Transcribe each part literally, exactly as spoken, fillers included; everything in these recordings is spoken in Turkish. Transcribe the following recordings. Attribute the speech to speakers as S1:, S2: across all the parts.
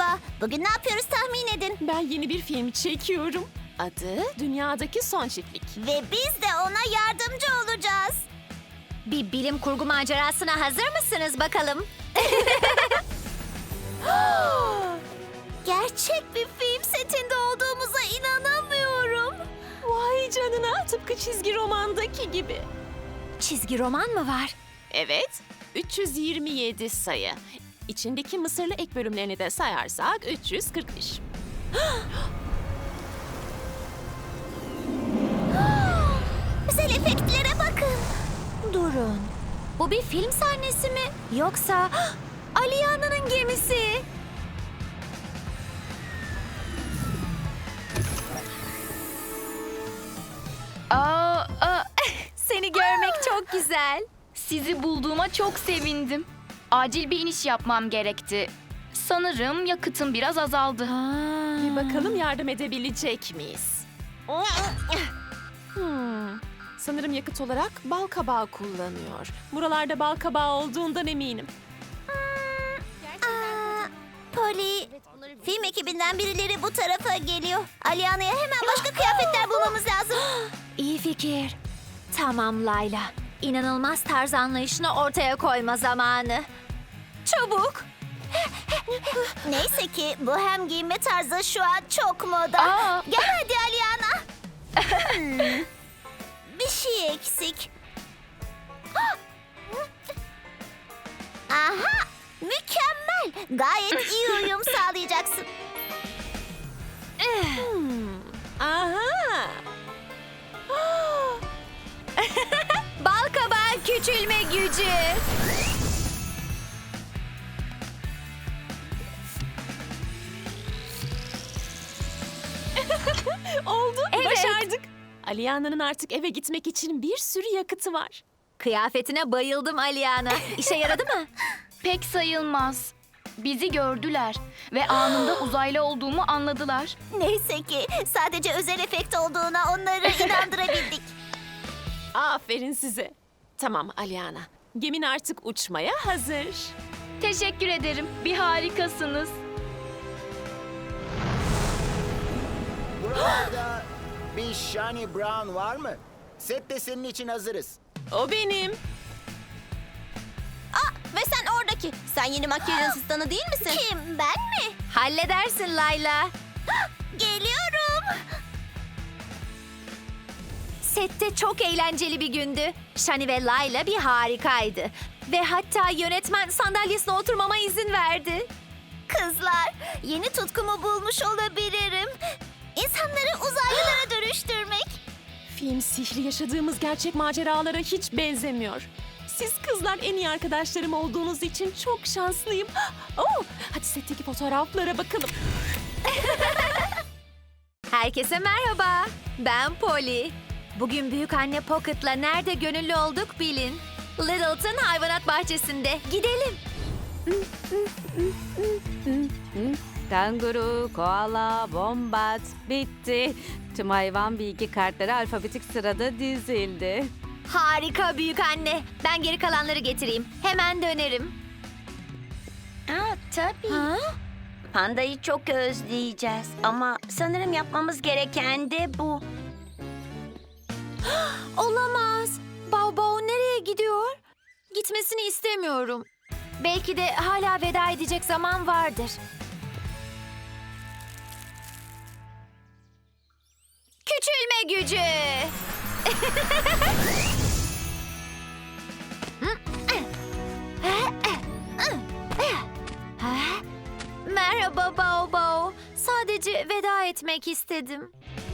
S1: Merhaba. Bugün ne yapıyoruz tahmin edin.
S2: Ben yeni bir film çekiyorum. Adı Dünyadaki Son Çiftlik.
S1: Ve biz de ona yardımcı olacağız. Bir bilim kurgu macerasına hazır mısınız bakalım? Gerçek bir film setinde olduğumuza inanamıyorum.
S2: Vay canına, tıpkı çizgi romandaki gibi.
S1: Çizgi roman mı var?
S2: Evet, üç yüz yirmi yedi sayı. İçindeki Mısırlı ek bölümlerini de sayarsak üç yüz kırk beş.
S1: Güzel efektlere bakın. Durun. Bu bir film sahnesi mi? Yoksa Aliyana'nın gemisi?
S3: Aa, aa,
S1: Seni görmek çok güzel.
S3: sizi bulduğuma çok sevindim. Acil bir iniş yapmam gerekti. Sanırım yakıtım biraz azaldı.
S2: Bir bakalım yardım edebilecek miyiz? Hmm. Sanırım yakıt olarak bal kabağı kullanıyor. Buralarda bal kabağı olduğundan eminim.
S1: Aa, Polly, film ekibinden birileri bu tarafa geliyor. Aliyana'ya hemen başka kıyafetler bulmamız lazım. İyi fikir. Tamam Layla. İnanılmaz tarz anlayışını ortaya koyma zamanı. Çabuk. Neyse ki bu hem giyinme tarzı şu an çok moda.
S3: Aa.
S1: Gel hadi Aliyana. Hmm, Bir şey eksik. Aha! Mükemmel. Gayet iyi uyum sağlayacaksın.
S2: Hmm. Aha!
S1: Bal kabağı küçülme gücü.
S2: Oldu,
S1: Evet.
S2: başardık. Aliyana'nın artık eve gitmek için bir sürü yakıtı var.
S1: Kıyafetine bayıldım Aliyana. İşe yaradı mı?
S3: Pek sayılmaz. Bizi gördüler ve anında uzaylı olduğumu anladılar.
S1: Neyse ki sadece özel efekt olduğuna onları inandırabildik.
S2: Aferin size. Tamam Aliana, gemin artık uçmaya hazır.
S3: Teşekkür ederim. Bir harikasınız.
S4: Buralarda bir Shani Brown var mı? Sette senin için hazırız.
S2: O benim.
S1: Aa, ve sen oradaki. Sen yeni makyaj asistanı değil misin? Kim, ben mi? Halledersin Layla. Geliyorum. Sette çok eğlenceli bir gündü. Shani ve Layla bir harikaydı. Ve hatta yönetmen sandalyesine oturmama izin verdi. Kızlar, yeni tutkumu bulmuş olabilirim. İnsanları uzaylılara dönüştürmek.
S2: Film sihri yaşadığımız gerçek maceralara hiç benzemiyor. Siz kızlar en iyi arkadaşlarım olduğunuz için çok şanslıyım. Oh, hadi setteki fotoğraflara bakalım.
S1: Herkese merhaba. Ben Polly. Bugün büyük anne Pocket'la nerede gönüllü olduk bilin. Littleton hayvanat bahçesinde. Gidelim.
S5: Kanguru, koala, bombat, bitti. Tüm hayvan bilgi kartları alfabetik sırada dizildi.
S1: Harika büyük anne. Ben geri kalanları getireyim. Hemen dönerim.
S6: Aa, tabii.
S1: Ha?
S6: Pandayı çok özleyeceğiz. Ama sanırım yapmamız gereken de bu.
S1: Olamaz. Bao Bao nereye gidiyor? Gitmesini istemiyorum. Belki de hala veda edecek zaman vardır. Küçülme gücü. Merhaba Bao Bao. Sadece veda etmek istedim.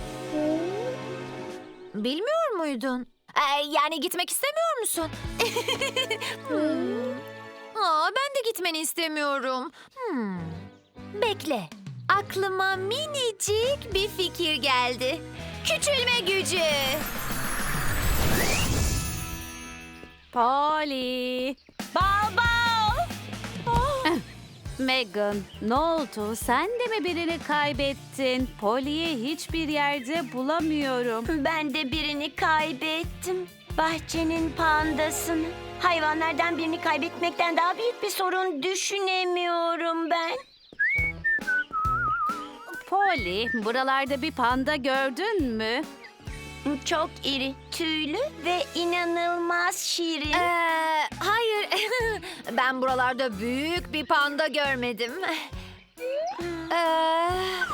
S1: Bilmiyor muydun? Ee, yani gitmek istemiyor musun? Hmm. Aa, ben de gitmeni istemiyorum. Hmm. Bekle. Aklıma minicik bir fikir geldi. Küçülme gücü.
S5: Polly.
S1: Baba.
S5: Megan, ne oldu? Sen de mi birini kaybettin? Polly'yi hiçbir yerde bulamıyorum.
S6: Ben de birini kaybettim. Bahçenin pandasını. Hayvanlardan birini kaybetmekten daha büyük bir sorun düşünemiyorum ben.
S5: Polly, buralarda bir panda gördün mü?
S6: Çok iri, tüylü ve inanılmaz şirin.
S1: Ee, hayır, ben buralarda büyük bir panda görmedim. Ee,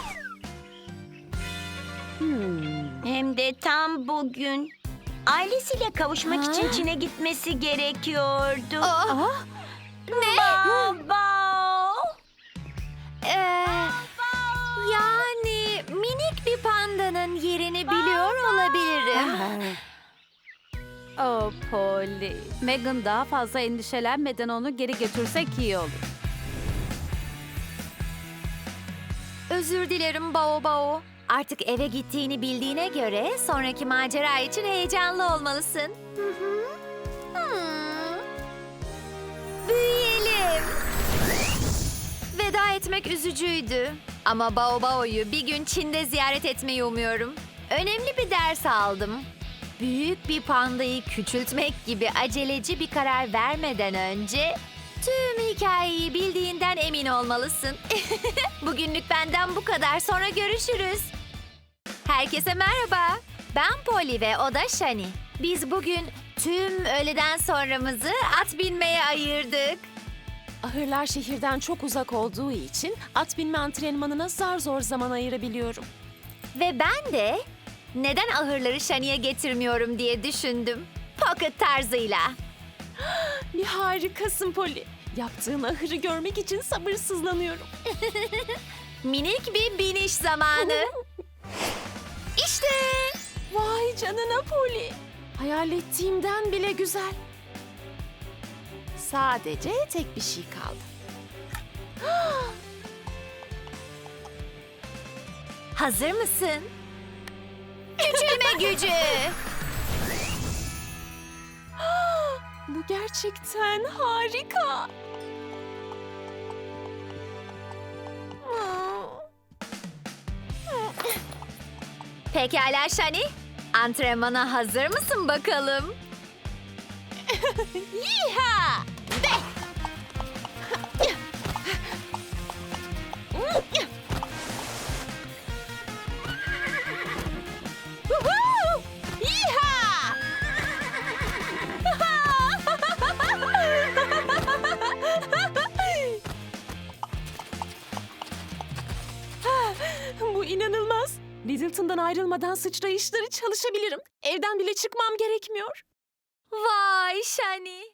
S6: Hem de tam bugün. Ailesiyle kavuşmak
S1: Ha?
S6: için Çin'e gitmesi gerekiyordu.
S1: oh, ne?
S6: Baba!
S1: Ee, yani minik bir pandanın yerini biliyor olabilirim.
S5: Oh Polly, Megan daha fazla endişelenmeden onu geri götürsek iyi olur.
S1: Özür dilerim Bao Bao. Artık eve gittiğini bildiğine göre sonraki macera için heyecanlı olmalısın. Hı hı. Hmm. Büyüyelim. Veda etmek üzücüydü. Ama Bao Bao'yu bir gün Çin'de ziyaret etmeyi umuyorum. Önemli bir ders aldım. Büyük bir pandayı küçültmek gibi aceleci bir karar vermeden önce tüm hikayeyi bildiğinden emin olmalısın. Bugünlük benden bu kadar. Sonra görüşürüz. Herkese merhaba. Ben Polly ve o da Shani. Biz bugün tüm öğleden sonramızı at binmeye ayırdık.
S2: Ahırlar şehirden çok uzak olduğu için at binme antrenmanına zar zor zaman ayırabiliyorum.
S1: Ve ben de neden ahırları Shani'ye getirmiyorum diye düşündüm. Pocket tarzıyla.
S2: Bir harikasın Polly. Yaptığın ahırı görmek için sabırsızlanıyorum.
S1: Minik bir biniş zamanı. İşte.
S2: Vay canına Polly. Hayal ettiğimden bile güzel. Sadece tek bir şey kaldı.
S1: Hazır mısın? Küçülme gücü.
S2: Bu gerçekten harika.
S1: Pekala Shani. Antrenmana hazır mısın bakalım?
S2: Yiha! Woohoo! Yiha! Bu inanılmaz. Littleton'dan ayrılmadan sıçrayışları çalışabilirim. Evden bile çıkmam gerekmiyor.
S1: Vay Shani.